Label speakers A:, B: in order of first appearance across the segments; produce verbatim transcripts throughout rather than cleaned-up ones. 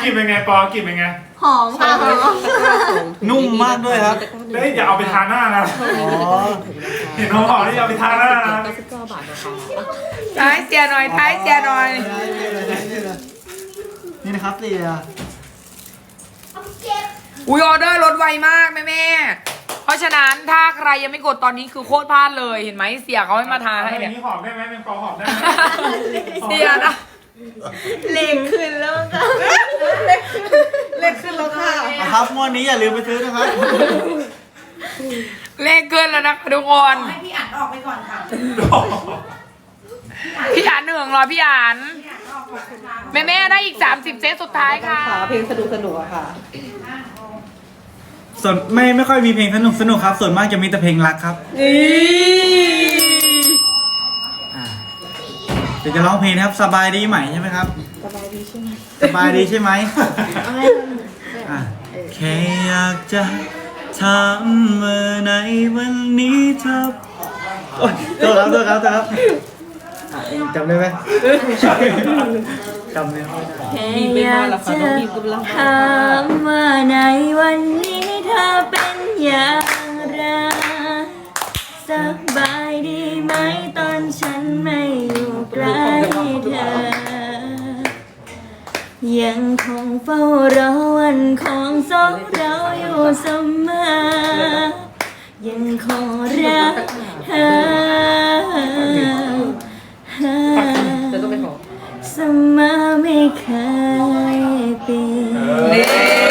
A: กินเป็นไงปอกลินเป็นไง
B: หอมค่ะหอม
C: นุ่มมากด้วยครับ
A: เฮ้ยอย่าเอาไปทาหน้านะเห็นหอมๆนี่อย่าไปทาหน้านะ
D: เก้าสิบเก้าบาทนะคะ
E: ท้ายเสียหน่อยท้ายเสียหน่อย
C: นี่นะครับเสีย
E: อุ้ยออเดอร์ลดไวมากแม่แม่เพราะฉะนั้นถ้าใครยังไม่กดตอนนี้คือโคตรพลาดเลยเห็นไหมเสียเขาให้มาทาให้เนี่ย
A: หอมได้ไหมเป็นปอหอมได้ไหม
E: เสียนะ
B: เล็กขึ้นแล้วค่ะเล็กขึ้นแล้วค่ะ
C: นะครับงวดนี้อย่าลืมไปซื้อนะครับ
E: เลขเกินแล้วนะคะทุกคน
B: ให้พี่อ่านออกไปก่อนค่ะ
E: พี่อ่านหนึ่งรอพี่อ่านแม่แม่ได้อีกสามสิบเซตสุดท้ายค่ะ
D: เพลงสนุกสนุกอะค่ะ
C: ส่วนไม่ไม่ค่อยมีเพลงสนุกสนุกครับส่วนมากจะมีแต่เพลงรักครับอ่าเดี๋ยวจะร้องเพลงนะครับสบายดีไหมใช่ไหมครับสบายดีใช่ไหมสบายดีใช่ไหมอ่าแค่อยากจะถามเมื่อไหนวันนี้เธอโอ๊ยตัวครับตัวครับตัวครับอ่ะเองจำได้ไหมจำได้ไหม
B: แค่อยากจะถามว่าในวันนี้เธอเป็นอย่างไรสบายดีไหมตอนฉันไม่อยู่ใกล้เธอยังคงเฝ้ารอวันของสองเราอยู่เสมอยังคงรักเธอเสมอไม่เคยเปลี่ยน
E: นี่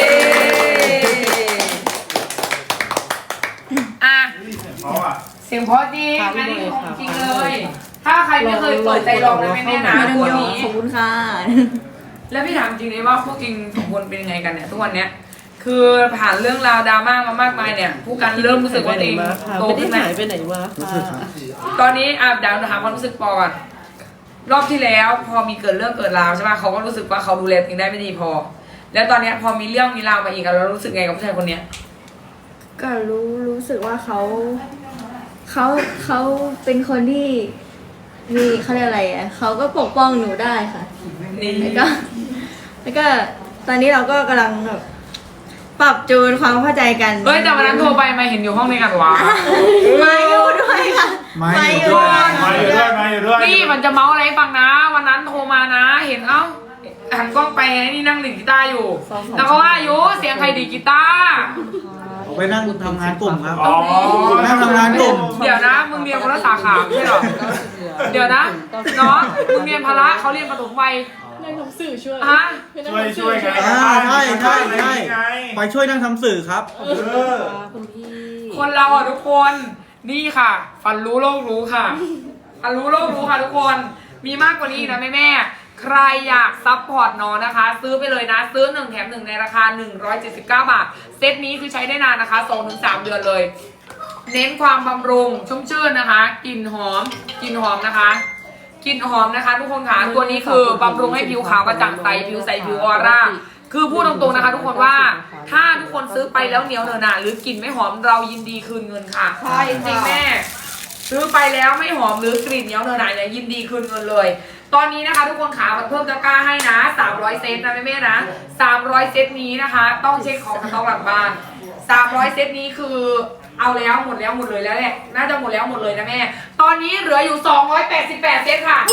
E: อ่ะ
A: เพราะอ่ะ
E: เสียงเพราะจริงอันนี้ของจริงเลย ถ้าใครไม่เคยเปิดใจลองนะแม่แม่นะตัวนี้
B: ขอบคุณค่ะ
E: แล้วพี่ถามจริงเลยว่าพวกจริงสองคนเป็นยังไงกันเนี่ยทุกวันเนี้ยคือผ่านเรื่องราวดราม่ามามากมายเนี่ยผู้กันเริ่มรู้สึกว่าตัวเองโต
D: ไม่ได้
E: ขึ้นไหม
D: หายไปไหนมา
C: รู้สึกครับ
E: ตอนนี้อ่ะเดี๋ยวถามความรู้สึกปอก่อนรอบที่แล้วพอมีเกิดเรื่องเกิดราวใช่ไหมเขาก็รู้สึกว่าเขาดูแลตัวเองได้ไม่ดีพอ แล้วตอนเนี้ยพอมีเรื่องมีราวมาอีกอะเรารู้สึกไงกับผู้ชายคนเนี้ย
F: ก็รู้รู้สึกว่าเขาเขาเขาเป็นคนที่มีเขาเรียกอะไรอ่ะเขาก็ปกป้องหนูได้ค่ะ
E: นี่
F: แล้วก็ แล้วก็ตอนนี้เราก็กำลังแบบปรับจูนความเข้าใจกัน
E: เฮ้ยแต่วันนั้นโทรไปมาเห็นอยู่ห้องในกันวะ
F: มาอยู่ด้วยค่ะ
C: มาอยู่
A: มาอยู่ด้วยมาอยู่ด้วย
E: นี่มันจะเมาอะไรให้ฟังนะ วันนั้นโทรมานะ เห็นเอ้าหันกล้องไปไงนี่นั่งดีดกีตาร์อยู่ แล้วก็ว่าอยู่เสียงใครดีดกีตาร์
C: ผมไปนั่งทำงานกลุ่มครับ
A: อ๋อ
C: นั่งทำงานกลุ่ม
E: เดี๋ยวนะมึงเรียนคนละสาขาไม่ใช่หรอเดี๋ยวนะน้องมึงเรียนพละเขาเรียนประถมวัย
D: ในหนังสือช่วย
E: ฮะ
A: ช่วยช่วยไง
C: อ่าใช่ใช่ใช่
A: ไง
C: ไปช่วยนั่งทำสื่อครับ
A: เออ
D: คุณพี่
E: คนเราอ่ะทุกคนนี่ค่ะ ฟันรู้โลกรู้ค่ะฟันรู้โลกรู้ค่ะทุกคนมีมากกว่านี้อีกนะแม่แม่ใครอยากซัพพอร์ตน้องนะคะ ซื้อไปเลยนะซื้อหนึ่งแถมหนึ่งในราคาหนึ่งร้อยเจ็ดสิบเก้าบาทเซตนี้คือใช้ได้นานนะคะ สองถึงสาม เดือนเลย เน้นความบำรุงชุ่มชื่นนะคะกลิ่นหอมกลิ่นหอมนะคะกลิ่นหอมนะคะทุกคนค่ะตัวนี้คือบำรุงให้ผิวขาวกระจ่างใสผิวใสผิวออร่าคือพูดตรงๆนะคะ ทุกคนว่าถ้าทุกคนซื้อไปแล้วเหนียวเนอะหนาหรือกลิ่นไม่หอมเรายินดีคืนเงินค่ะใช่จริงแม่ซื้อไปแล้วไม่หอมหรือกลิ่นเหนียวเนอะหนาเนี่ยยินดีคืนเงินเลยตอนนี้นะคะทุกคนขาเพิ่มตะกร้าให้นะสามร้อยเซตนะแม่ๆนะสามร้อยเซตนี้นะคะต้องเช็คของสต็อกหลังบ้านสามร้อยเซตนี้คือเอาแล้วหมดแล้วหมดเลยแล้วแหละน่าจะหมดแล้วหมดเลยนะแม่ตอนนี้เหลืออยู่สองร้อยแปดสิบแปดเซตค่ะ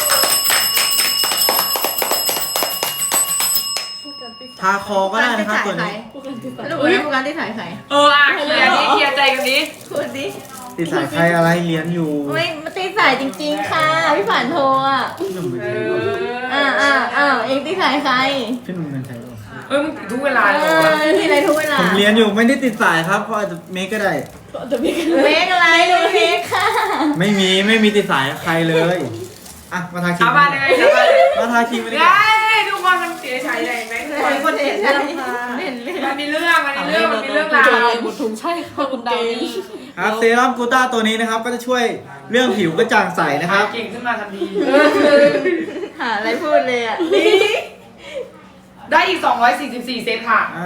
C: ทาคอก็ได้นะครับตัวนี้
F: รู้ไหมโฟกัสที่ถ่ายใคร
E: เอออ่ะเคลียร์นี้เคลียร์ใจกันนี้
F: พูดดิ
C: ติดสายใครอะไรเรียนอยู่
F: ไม่มาตีสายจริงๆค่ะพี่ผ่านโทรอ่ะ
C: พี่หนุ่มเป็น
E: เอ
C: ใคร
E: อ
F: อ่าอ่าอ่าเองตีสายใคร
C: พี่หนุ่มเป็นใครวะ
E: เออมึงติดทุกเวลา
F: เอ
E: เลย
F: อ
E: วะ
F: ที่ไรทุกเวลา
C: ผมเรียนอยู่ไม่ได้ติดสายครับเพราะอาจจะเมคก็ได้
F: เมกอะไรดูเมกค่ะ
C: ไม่มีไม่มีติดสายใครเลยอ่ะมาทาครีม
E: เอาบ้านยังไงจะไป
C: มาทาครีมมาดีก
E: ได้
C: ว่า
E: ทุกคนมันเสียฉายใหญ่ไหม
F: คนเห็นเรื่องเห็นเรื่อง
E: มันมีเรื่องมันมีเรื่องมันมีเรื่องราว
D: บุตรทุงใช่ค่ะคุณดาวนี่
C: ครับเซรั่มกูต้าตัวนี้นะครับก็จะช่วยเรื่องผิวกระจ่างใสนะครับ
E: เก่งขึ้นมาทันที
F: หาอะไรพูดเลยอ่ะ
E: ได้อีกสองร้อยสี่สิบสี่เซตค่ะ
C: อ่า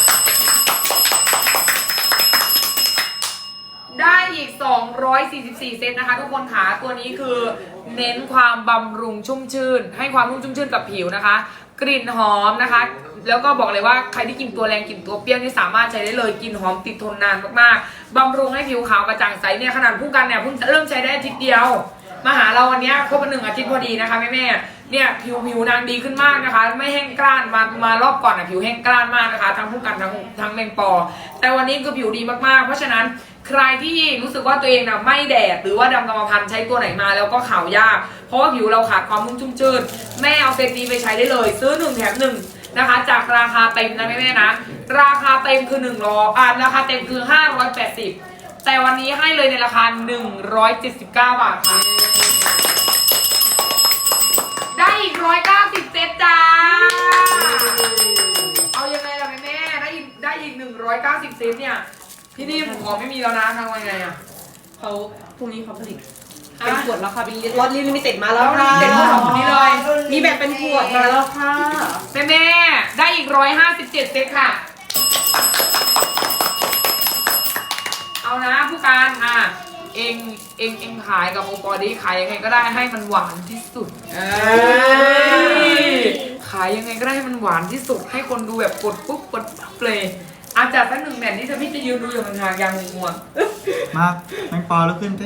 E: ได้อีกสองร้อยสี่สิบสี่เซตนะคะทุกคนค่ะตัวนี้คือเน้นความบำรุงชุ่มชื่น ให้ความนุ่มชุ่มชื่นกับผิวนะคะกลิ่นหอมนะคะ แล้วก็บอกเลยว่าใครที่กินตัวแรงกินตัวเปรี้ยวนี่สามารถใช้ได้เลยกลิ่นหอมติดทนนานมากๆบำรุงให้ผิวขาวกระจ่างใสเนี่ยขนาดผู้กันเนี่ยเพิ่งเริ่มใช้ได้อาทิตย์เดียวมาหาเราวันนี้ครบหนึ่งอาทิตย์พอดีนะคะแม่แม่เนี่ยผิวผิวนางดีขึ้นมากนะคะ ไม่แห้งกร้านมามารอบก่อนอ่ะผิวแห้งกร้านมากนะคะทั้งผู้กันทั้งทั้งแมงปอแต่วันนี้คือผิวดีมากๆเพราะฉะนั้นใครที่รู้สึกว่าตัวเองนะไม่แดดหรือว่าดำกรรมพันธุ์ใช้ตัวไหนมาแล้วก็ขาวยากเพราะว่าผิวเราขาดความนุ่มชุ่มชื้นแม่เอาเซตนี้ไปใช้ได้เลยซื้อหนึ่งแถมหนึ่งนะคะจากราคาเต็มนะแม่ๆนะราคาเต็มคือหนึ่งร้อยอ่าราคาเต็มคือห้าร้อยแปดสิบแต่วันนี้ให้เลยในราคาหนึ่งร้อยเจ็ดสิบเก้าบาทค่ะได้อีกหนึ่งร้อยเก้าสิบเซตจ้าเอายังไงล่ะแม่ๆได้อีกได้อีกหนึ่งร้อยเก้าสิบเซตเนี่ยพี่นี่ผมขอไม่มีแล้วนะทางวันไงอ่ะ
D: เขาพรุ่งนี้เขาผลิตเป็นขวดแล้วค่ะเป็นรถลิมิเต็ดมาแล้วค่ะ
E: เต็มขวดของนี้เลย
D: มีแบบเป็นขวดมาแล้วค่ะ
E: แม่แม่ๆได้อีกร้อยห้าสิบเจ็ดเซตค่ะเอานะผู้การอ่ะเองเองเองขายกับโอปอดี้ขายยังไงก็ได้ให้มันหวานที่สุดเอ้ยขายยังไงก็ได้ให้มันหวานที่สุดให้คนดูแบบกดปุ๊บกดปั๊บเลยอาจจะสักหนึ่งแมทนี่จะพี่จะยืนดูอยู่ห่างๆอย่างงง
C: มาแมงปอแล้วขึ้นสิ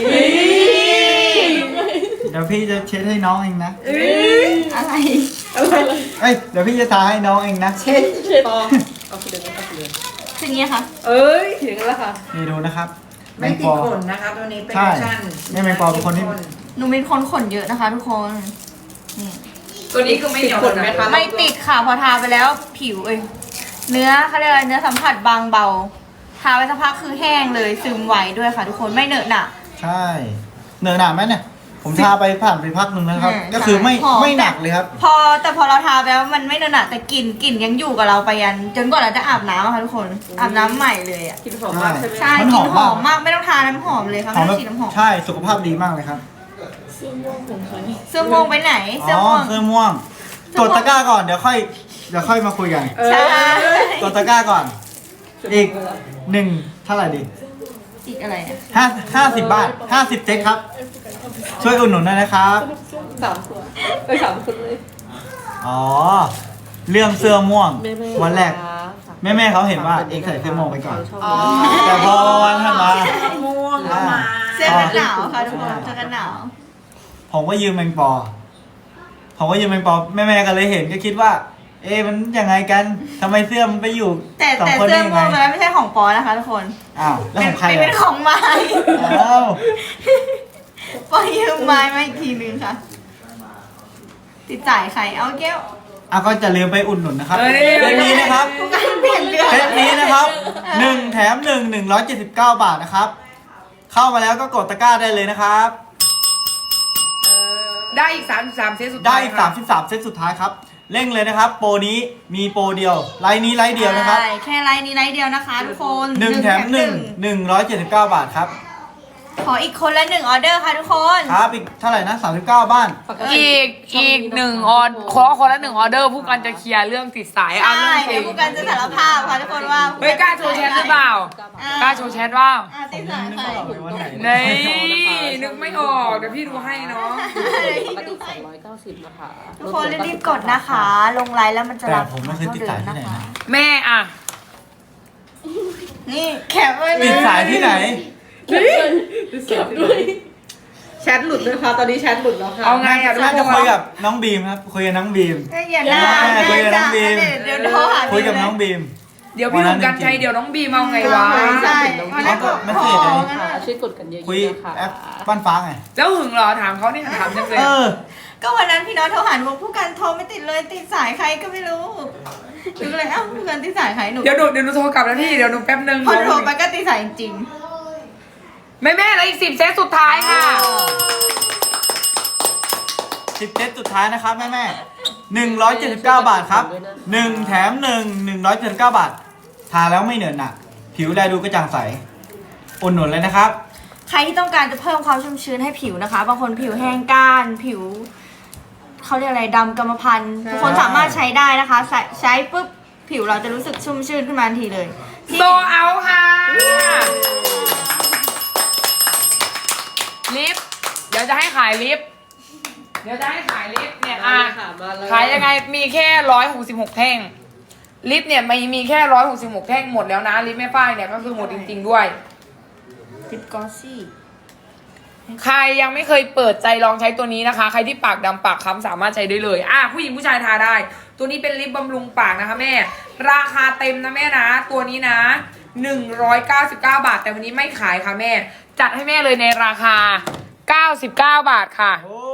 C: เดี๋ยวพี่จะเช็ดให้น้องเองนะ
F: อะไร
C: เอ้ยเดี๋ยวพี่จะทาให้น้องเองนะ
D: เช็ดเช็ดต่อเอาคือเดินเอาคือเดิน
F: คืออย่างนี้ค่ะ
D: เอ้ยถึงแล้วค่ะ
C: นี่ดูนะครับแม
G: ไม่
C: ง
G: ติ
C: ป
G: ด
C: อ
G: ขนนะคะตัวนี้เป็น
C: ใช่
G: ออปชั่น
C: นี่แมงปอเป็นคนที่
F: หนูเป็นคนขนเยอะนะคะทุกคนนี่
E: ๆตัวนี้คือไม่เหนียว
D: ติดขนไหมคะ
F: ไม่ติดค่ะพอทาไปแล้วผิวเอ้ยเนื้อเขาเรียกอะไรเนื้อสัมผัสบางเบาทาไปสักพักคือแห้งเลยซึมไวด้วยค่ะทุกคนไม่เหนอะหนะ
C: ใช่เหนอะหนาไหมเนี่ยผมทาไปผ่านไปพักหนึ่งนะครับ
F: อืม
C: ก็คือไม่
F: หอม
C: ไม่หนักเลยครับ
F: พอแต่พอเราทาไปแล้วมันไม่เหนอะหนะแต่กลิ่นกลิ่นยังอยู่กับเราไปยัน จนกว่าเราจะอาบน้ำอะค่ะทุกคนอาบน้ำใหม่เลยอ่ะ
D: กินหอมมากใช่ไหม
F: ใช่
C: มัน
F: ก
C: ห
F: ลิ่
C: อม
F: นหอม
C: มาก
F: มากไม่ต้องทาน้ำหอมเลยค่ะ
C: หอ
F: ไม่
C: ม
F: ต้
C: แบ
F: องฉีดน้ำหอม
C: ใช่สุขภาพดีมากเลยครับ
F: เสื้อม่วงไปไหนเสื้อ
C: อ๋อ
F: ม่วง
C: เสื้อม่วงกดตะกร้าก่อนเดี๋ยวค่อยเดี๋ยวค่อยมาคุยกัน
F: ใช่
C: กดตะกร้าก่อน อีกหนึ่งเท่าไหร่ดี
F: อีกอะไรอ่ะ
C: ห้าห้าสิบบาทห้าสิบเจ๊กครับ ช่วยอุดหนุนหน่อยนะครับ
D: สามขวดเอ้ยสามคนเลย
C: อ๋อ เรื่องเสื้อม่วง
D: แม่ๆ
C: วันแรก
D: ค่ะ
C: แม่แม่ๆเขาเห็นว่าเองใส่เสื้อม่วงไปก่อน
D: ชอบ
G: อ๋อ
C: แต่พอวันถัดมา
G: ม่วงก็มา
F: เสื้อกันหนาวค่ะทุกคนเสื้อกันหนาว
C: ผมก็ยืมแมงปอ ผมก็ยืมแมงปอแม่แม่ๆก็เลยเห็นก็คิดว่า เอ๊ะมันยังไงกันทำไมเสื้อมันไปอยู่
F: แต่
C: สอง
F: แต่
C: คน
F: เสื้
C: ได้
F: อ
C: ยัง
F: ม่
C: ไง
F: วงตัวนั้นไม่ใช่ของปอนะคะทุกคน
C: อ้าวแล้วของใคร
F: เป็น
C: อ่ะ
F: ของไม้
C: อ้าว
F: ปอยืมไม้มาอีกทีนึงค่ะ ติดจ่ายใครเอาแก้ว
C: อ่ะก็จะลืมไปอุดหนุนนะครับ
E: เอ้ย
C: เดือนนี้นะครับ
F: ผู้การเปลี่ยนเรื่อง
C: เซตนี้นะครับหนึ่งแถมหนึ่งหนึ่งร้อยเจ็ดสิบเก้าบาทนะครับ เข้ามาแล้วก็กดตะกร้าได้เลยนะครับ
E: ได้อีกสามสิบสามเซตสุด
C: ได้
E: ท้าย
C: อีก
E: ค่ะ
C: สามสิบสามเซตสุดท้ายครับ เร่งเลยนะครับ โปรนี้มีโปรเดียว ไลน์นี้ไลน์เดียวนะครับ
F: ใช่แค่ไลน์นี้ไลน์เดียวนะคะทุกคน
C: หนึ่งแถมหนึ่งหนึ่งร้อยเจ็ดสิบเก้าบาทครับ
F: ขออีกคนละหนึ่งออเดอร์ค่ะทุกคน
C: ครับอีกเท่าไหร่นะสามสิบเก้าบ้าน
E: อีกอีกหนึ่งออดขอคนละหนึ่งออเดอร์ผู้กันจะเคลียร์เรื่องติดสายเอา
F: ใช่
E: เรื่องจริ
F: เดี๋ยว
E: ง
F: ผู้การจะสารภาพค่ะทุกคนว่า
E: เฮ้ยกล้าโชว์แชทหรือเปล่า
F: อ่
E: กล้าโชว์แชทว่า
F: อ่ะติดสายใคร
E: นี่นึกไม่ออกเดี๋ยวพี่ดูให้เนาะ
D: ปกติสองร้อยเก้าสิบนะคะ
F: ทุกคนรีบๆกดนะคะ ลงไลน์แล้วมันจะ
C: แต่
F: รับ
C: ผมไม่เคยติดสายที่ไหนนะ
E: แม่อะ
F: นี่แคปไว้เล
C: ติดสายที่ไหน
D: เก็บด้วยแชทหลุดนะคะตอนนี้แชทหลุดแล้วค่ะ
E: เอาไงอะทุก
C: น่า
E: ค
C: จะคุย
E: น
C: กับน้องบีมครับ คุยกับน้องบีม
F: อย่าหน้า
C: คุยกับน้องบีม
F: เดี๋ยวโทรหา
C: คุยกับน้องบีม
E: เดี๋ยวพี่หนุ่มกันชัยเดี๋ยวน้องบีมเอาไงวะ
F: ใช่
C: เขาก็ไม่เคยเลย
D: ค่ะช่วยกดกันเยอะๆ
C: คุย
D: นะคะ
C: แอปบ้านฟ้าไง
E: แล้วหึงเหรอถามเขานี่ถามจังเลย
C: เออ
F: ก็วันนั้นพี่น้องโทรหาหนูบอกผู้การโทรไม่ติดเลยติดสายใครก็ไม่รู้หนูก็เลยเอ้าผู้การติดสายใครหนู
E: เดี๋ยวหนูเดี๋ยวหนูโทรกลับนะพี่เดี๋ยวหนูแป๊บนึง
F: พอโทรไปก็ติดสายจริง
E: แม่แม่แล้วอีกสิบเซตสุดท้ายค่ะ
C: สิบเซตสุดท้ายนะครับแม่แม่หนึ่งร้อยเจ็ดสิบเก้าบาทครับหนึ่งแถมหนึ่งหนึ่งร้อยเจ็ดสิบเก้าบาท ทาแล้วไม่เหนอะหนักผิวแลดูกระจ่างใสอุ่นหนุนเลยนะครับ
F: ใครที่ต้องการจะเพิ่มความชุ่มชื้นให้ผิวนะคะ บางคนผิวแห้งก้านผิวเขาเรียกอะไรดำกรรมพันธุ์ทุกคนสามารถใช้ได้นะคะใช้ใช้ปุ๊บผิวเราจะรู้สึกชุ่มชื้นขึ้นมาทันทีเลยที่
E: โซเอาค่ะลิฟต์เดี๋ยวจะให้ขายลิฟต์เดี๋ยวจะให้ขายลิปเนี่ยอ่ะ
D: ค่ะมาเลย
E: ขายยังไงมีแค่ร้อยหกสิบหกแท่งลิปเนี่ยมีมีแค่ร้อยหกสิบหกแท่งหมดแล้วนะลิปแม่ฝ้ายเนี่ยก็คือหมดจริงๆด้วย
F: ลิปกอสซี่
E: ใครยังไม่เคยเปิดใจลองใช้ตัวนี้นะคะ ใครที่ปากดำปากค้ำสามารถใช้ได้เลยอ่ะผู้หญิงผู้ชายทาได้ ตัวนี้เป็นลิปบำรุงปากนะคะแม่ราคาเต็มนะแม่นะตัวนี้นะหนึ่งร้อยเก้าสิบเก้าบาทแต่วันนี้ไม่ขายค่ะแม่จัดให้แม่เลยในราคาเก้าสิบเก้าบาทค่ะ
C: โอ้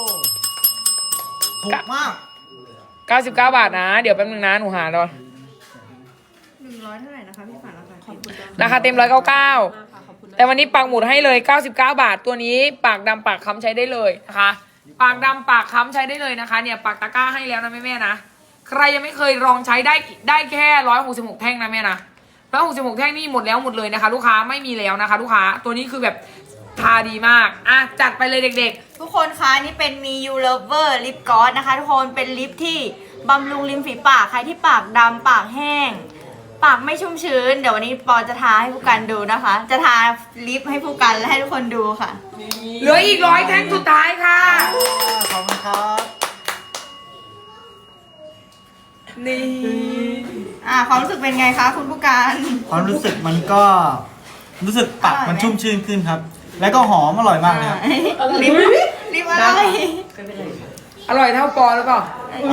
C: ถูกมาก
E: เก้าสิบเก้าบาทนะเดี๋ยวแป๊บนึงนะหนูหาดอน
F: หนึ่งร้อยเท่าไหร่นะคะพี่ฝันราคาขอบคุณ
E: ราคาเต็มร้อยเก้าเก้าแต่วันนี้ปักหมุดให้เลยเก้าสิบเก้าบาทตัวนี้ปากดำปากค้ำใช้ได้เลยนะคะปากดำปากค้ำใช้ได้เลยนะคะเนี่ยปากตะกร้าให้แล้วนะแม่แม่ๆนะใครยังไม่เคยลองใช้ได้ได้แค่ร้อยหกสิบหกแท่งนะแม่นะร้อยหกสิบหกแท่งนี่หมดแล้วหมดเลยนะคะ ลูกค้าไม่มีแล้วนะคะ ลูกค้าตัวนี้คือแบบทาดีมากอ่ะจัดไปเลยเด็ก
F: ทุกคนคะนี่เป็นมี You Lover Lip Gloss นะคะทุกคนเป็นลิปที่บำรุงริมฝีปากใครที่ปากดำปากแห้ง ปากไม่ชุ่มชื้น เดี๋ยววันนี้ปอจะทาให้ผู้กันดูนะคะ จะทาลิปให้ผู้กันและให้ทุกคนดูค่ะ
E: ๆเหลืออีกร้อยแท่งสุดท้ายค่ะ
C: ขอบคุณครับ
E: นี่
F: อ่าความรู้สึกเป็นไงคะคุณผู้การ
C: ความรู้สึกมันก็รู้สึกปากมันชุ่มชื่นขึ้นครับ แล้วก็หอมอร่อยมากเลยครับ
F: ลิปลิปอะไร
E: อร่อยเท่าปอหรือเปล่า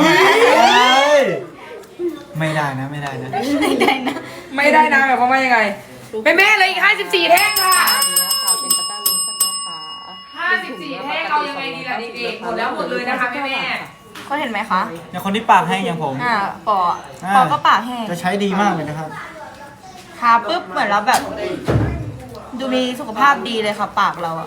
C: ไม่ได้นะไม่ได้นะ
F: ไม่ได้นะ
E: ไม่ได้นะแบบว่ายังไงแม่แม่ๆเหลยอีกห้าสิบสี่แท่งค่ะ
D: อันนี้ค่ะเป็นตะกร้าลูชั่นนะคะ
E: ห้าสิบสี่แท่งเอายังไงดีล่ะเด็กๆหมดแล้วหมดเลยนะคะแม่แม่
F: เขาเห็นไหมคะ
C: อย่างคนที่ปากแห้งอย่างผม
F: อ่าปอ
C: อ่า
F: ปอก็ปากแห้ง
C: จะใช้ดีมากเลยนะครับ
F: ทาปุ๊บเหมือนเราแบบ ดูมีสุขภาพดีเลยค่ะปากเราอะ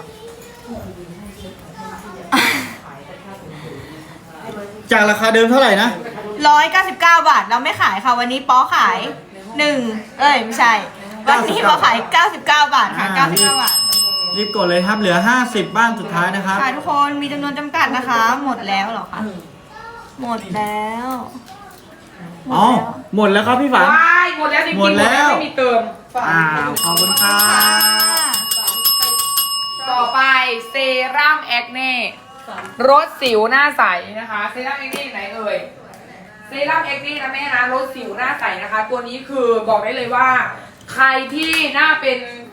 C: จากราคาเดิมเท่าไหร่นะ
F: ร้อยเก้าสิบเก้าบาทเราไม่ขายค่ะวันนี้ป๊อขายหนึ่งเอ้ยไม่ใช่ วันนี้ป๊อขายเก้าสิบเก้าบาทค่ะ
C: อ่า
F: เก้าสิบเก้าบาท
C: รีบกดเลยครับเหลือห้าสิบบ้านสุดท้ายนะครับ
F: ค่ะทุกคนมีจำนวนจำกัดนะคะ หมดแล้วเหรอคะหมดแล้วหมด
C: อ๋อ
F: แล้ว
C: หมดแล้วครับพี่ฝัน
E: ว้ายหมดแล้วจริงๆ
C: หมดแล้ว
E: ไม่มีเติม
C: อ้าวขอบคุณครับ
E: ต่อไปเซรั่มแอคเน่รสสิวหน้าใสนะคะเซรั่มแอคเน่อยู่ไหนเอ่ยเซรั่มแอคเน่นะแม่นะรสสิวหน้าใสนะคะ ตัวนี้คือบอกได้เลยว่า ใครที่หน้าเป็น